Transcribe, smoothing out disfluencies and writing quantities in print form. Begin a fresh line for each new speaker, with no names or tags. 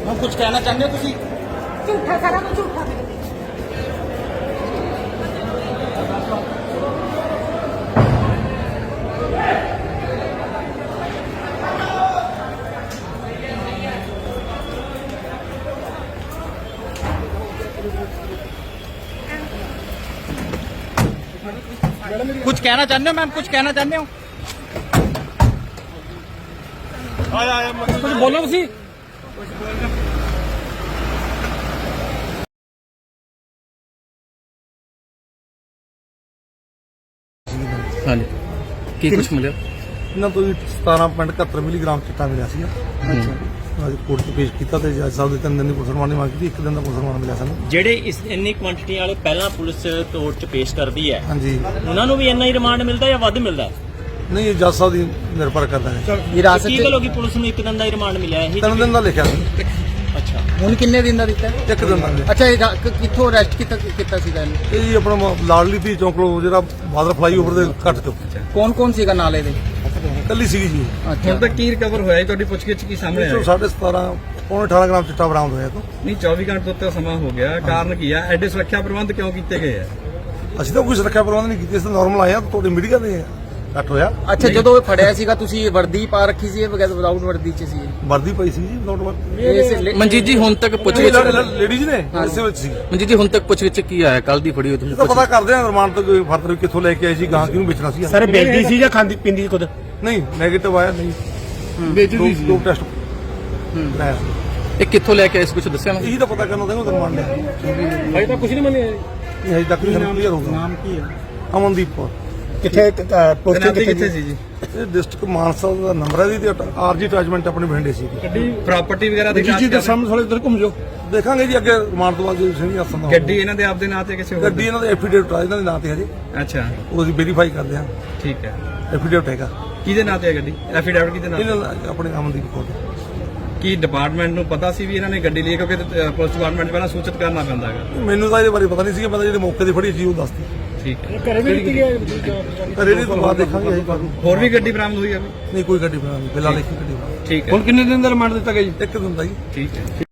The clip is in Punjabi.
ਹੁਣ ਕੁਝ ਕਹਿਣਾ ਚਾਹੁੰਦੇ ਹੋ ਤੁਸੀਂ?
ਝੂਠਾ ਸਾਰਾ ਕੁਝ ਝੂਠਾ ਮੇਰੇ ਤੇ।
कुछ कहना चाहते हो मैम? कुछ कहना चाहते हो? कुछ बोलो ਤੁਸੀਂ।
ਹਾਂਜੀ ਕੀ ਕੁਛ ਮਿਲਿਆ?
ਇਹਨਾਂ ਤੋਂ ਵੀ 17.71 ਮਿਲੀਗ੍ਰਾਮ ਚਿੱਟਾ ਮਿਲਿਆ ਸੀ। ਅੱਜ ਕੋਰਟ 'ਚ ਪੇਸ਼ ਕੀਤਾ ਤੇ ਜੱਜ ਸਾਹਿਬ ਦੇ 3 ਦਿਨ ਦੀ ਪੁਲਿਸ ਰਿਮਾਂਡ ਦੀ ਮੰਗ ਕੀਤੀ। 1 ਦਿਨ ਦਾ ਪੁਲਿਸ ਰਿਮਾਂਡ ਮਿਲਿਆ ਸਾਨੂੰ।
ਜਿਹੜੇ ਇੰਨੀ ਕੁਆਂਟੀਟੀ ਵਾਲੇ ਪਹਿਲਾਂ ਪੁਲਿਸ ਕੋਰਟ 'ਚ ਪੇਸ਼ ਕਰਦੀ ਹੈ,
ਹਾਂਜੀ,
ਉਹਨਾਂ ਨੂੰ ਵੀ ਇੰਨਾ ਹੀ ਰਿਮਾਂਡ ਮਿਲਦਾ ਜਾਂ ਵੱਧ ਮਿਲਦਾ?
ਨਹੀਂ ਇਹ ਜੱਜ ਸਾਹਿਬ ਦੀ ਨਿਰਭਰ ਕਰਦਾ ਹੈ।
ਵਿਰਾਸਤ
ਕੀ ਗੱਲ ਹੋ ਗਈ ਪੁਲਿਸ ਨੂੰ 1 ਦਿਨ ਦਾ ਹੀ ਰਿਮਾਂਡ ਮਿਲਿਆ? ਇਹ
3 ਦਿਨ ਦਾ ਲਿਖਿਆ ਸੀ।
ਅੱਛਾ,
ਹੁਣ ਕਿੰਨੇ ਦਿਨ ਦਾ ਦਿੱਤਾ?
1 ਦਿਨ ਦਾ ਮਿਲਿਆ।
ਅੱਛਾ, ਇਹ ਕਿੱਥੋਂ ਅਰੈਸਟ ਕੀਤਾ ਸੀਗਾ ਇਹਨੂੰ?
ਇਹ ਜੀ ਆਪਣਾ ਲਾਡਲੀ ਧੀ ਚੌਂਕ ਕੋਲ ਜਿਹੜਾ ਬਾਦਰ ਫਲਾਈਓਵਰ ਦੇ ਘੱਟ ਤੋਂ
ਕੌਣ ਸੀਗਾ ਨਾਲ ਇਹਦੇ?
ਕੱਲੀ ਸੀਗੀ ਜੀ।
ਅੱਛਾ,
ਹੁਣ ਤੱਕ ਕੀ ਰਿਕਵਰ ਹੋਇਆ ਜੀ? ਤੁਹਾਡੀ ਪੁੱਛਗਿੱਛ ਕੀ ਸਾਹਮਣੇ ਆਇਆ?
17.5 ਪੌਣੇ 18 ਗ੍ਰਾਮ ਚਿੱਟਾ ਬਰਾਮਦ ਹੋਇਆ ਤੋਂ।
ਨਹੀਂ 24 ਘੰਟੇ ਤੋਂ ਉੱਤੇ ਸਮਾਂ ਹੋ ਗਿਆ, ਕਾਰਨ ਕੀ ਆ? ਐਡੇ ਸੁਰੱਖਿਆ ਪ੍ਰਬੰਧ ਕਿਉਂ ਕੀਤੇ ਗਏ ਆ?
ਅਸੀਂ ਤਾਂ ਕੋਈ ਸੁਰੱਖਿਆ ਪ੍ਰਬੰਧ ਨਹੀਂ ਕੀਤੇ, ਅਸੀਂ ਨਾਰਮਲ ਆਏ ਆ। ਤੁਹਾਡੇ ਮੀਡੀਆ ਦੇ ਘੱਟ ਹੋਇਆ।
ਅੱਛਾ, ਜਦੋਂ ਇਹ ਫੜਿਆ ਸੀਗਾ ਤੁਸੀਂ ਵਰਦੀ ਪਾ ਰੱਖੀ ਸੀ ਬਗੈਰ ਵਿਦਾਊਟ ਵਰਦੀ ਚ ਸੀ?
ਵਰਦੀ ਪਈ ਸੀ ਜੀ, ਨੋਟ ਵਰਦੀ।
ਮਨਜੀਤ ਜੀ ਹੁਣ ਤੱਕ ਪੁੱਛਗਿੱਛ
ਲੇਡੀਜ਼ ਨੇ ਇਸੇ ਵਿੱਚ ਸੀ।
ਮਨਜੀਤ ਜੀ ਹੁਣ ਤੱਕ ਪੁੱਛਗਿੱਛ ਕੀ ਆਇਆ? ਕੱਲ ਦੀ ਫੜੀ ਹੋਈ
ਇਹ ਤਾਂ ਪਤਾ ਕਰਦੇ ਆ ਰਿਮਾਂਡ ਤੋਂ ਕੋਈ ਫਰਦਰ ਕਿੱਥੋਂ ਲੈ ਕੇ ਆਏ ਸੀ, ਗਾਂ ਕਿਹਨੂੰ ਵੇਚਣਾ ਸੀ।
ਸਰ ਵੇਚਦੀ ਸੀ ਜਾਂ ਖਾਂਦੀ ਪੀਂਦੀ ਖੁਦ?
ਨਹੀਂ ਨੈਗੇਟਿਵ ਆਇਆ, ਨਹੀਂ ਵੇਚਦੀ ਸੀ। ਦੋ ਟੈਸਟ ਲਾਇਆ ਸੀ।
ਇਹ ਕਿੱਥੋਂ ਲੈ ਕੇ ਆਏ ਸੀ ਕੁਝ ਦੱਸਿਆ ਨਾ?
ਇਹੀ ਤਾਂ ਪਤਾ ਕਰਨਾ ਚਾਹੁੰਦਾ ਰਿਮਾਂਡ ਲਿਆ।
ਹਜੇ ਤਾਂ ਕੁਝ ਨਹੀਂ ਮੰਨਿਆ।
ਇਹ ਹਜੇ ਤੱਕ ਨਹੀਂ ਕਲੀਅਰ ਹੋਊਗਾ।
ਨਾਮ ਕੀ ਹੈ?
ਅਮਨਦੀਪ ਕੌਰ।
ਕਿੱਥੇ
ਤੈਨਾਤੀ ਕਿੱਥੇ ਸੀ ਜੀ?
ਇਹ ਡਿਸਟ੍ਰਿਕਟ ਮਾਨਸਾ ਦਾ ਨੰਬਰ ਹੈ ਜੀ ਤੇ ਆਰਜੀ ਅਟੈਚਮੈਂਟ ਆਪਣੇ ਬਠਿੰਡੇ ਸੀ।
ਗੱਡੀ ਪ੍ਰਾਪਰਟੀ ਵਗੈਰਾ ਦੀ
ਜੀ ਦੇ ਸਾਹਮਣੇ ਥੋੜੇ ਉਧਰ ਘੁੰਮ ਜਾਓ।
ਦੇਖਾਂਗੇ ਜੀ ਅੱਗੇ ਰਿਮਾਂਡ ਤੋਂ ਬਾਅਦ ਜੇ ਸਿੰਘ ਹੱਸਨ ਦਾ
ਗੱਡੀ ਇਹਨਾਂ ਦੇ ਆਪਦੇ ਨਾਂ ਤੇ ਕਿਸੇ ਹੋਰ
ਗੱਡੀ ਇਹਨਾਂ ਦੇ ਐਫੀਡੇਵਿਟ ਆ, ਇਹਨਾਂ ਦੇ ਨਾਂ ਤੇ ਹਜੇ
ਅੱਛਾ,
ਉਹ ਅਸੀਂ ਵੈਰੀਫਾਈ ਕਰਦੇ ਹਾਂ।
ਠੀਕ ਹੈ।
ਐਫੀਡੇਵਿਟ ਹੈਗਾ
ਕਿਹਦੇ ਨਾਂ ਤੇ ਹੈ ਗੱਡੀ? ਐਫੀਡੈਵਿਟ ਕਿਹਦੇ ਨਾਂ ਤੇ?
ਇਹਨਾਂ ਦਾ ਆਪਣੇ ਅਮਨਦੀਪ ਕੌਰ ਦਾ।
ਕੀ ਡਿਪਾਰਟਮੈਂਟ ਨੂੰ ਪਤਾ ਸੀ ਵੀ ਇਹਨਾਂ ਨੇ ਗੱਡੀ ਲਈ? ਕਿਉਂਕਿ ਪੁਲਿਸ ਡਿਪਾਰਟਮੈਂਟ ਨੂੰ ਪਹਿਲਾਂ ਸੂਚਿਤ ਕਰਨਾ ਪੈਂਦਾ ਹੈਗਾ।
ਮੈਨੂੰ ਤਾਂ ਇਹਦੇ ਬਾਰੇ ਪਤਾ ਨਹੀਂ ਸੀ। ਮੈਂ ਜਿਹੜੇ ਮੌਕੇ ਤੇ ਫੜੀ ਸੀ ਉਹ ਦੱਸਦੀ।
ਠੀਕ ਹੈ।
ਘਰੇ ਵੀ ਦਿੱਤੀ ਗਿਆ।
ਰੇੜੀ ਤੋਂ ਬਾਅਦ ਦੇਖਾਂਗੇ ਅਸੀਂ ਬਾਅਦ।
ਹੋਰ ਵੀ ਗੱਡੀ ਬਰਾਮਦ ਹੋਈ ਹੈ?
ਨਹੀਂ ਕੋਈ ਗੱਡੀ ਬਣਾ ਨਹੀਂ, ਫਿਲਹਾਲ ਇੱਕ ਹੀ ਗੱਡੀ ਬਣਾ।
ਠੀਕ ਹੈ।
ਹੁਣ ਕਿੰਨੇ ਦਿਨ ਦਾ ਰਿਮਾਂਡ ਦਿੱਤਾ ਗਿਆ ਜੀ?
1 ਦਿਨ ਦਾ ਜੀ।
ਠੀਕ ਹੈ।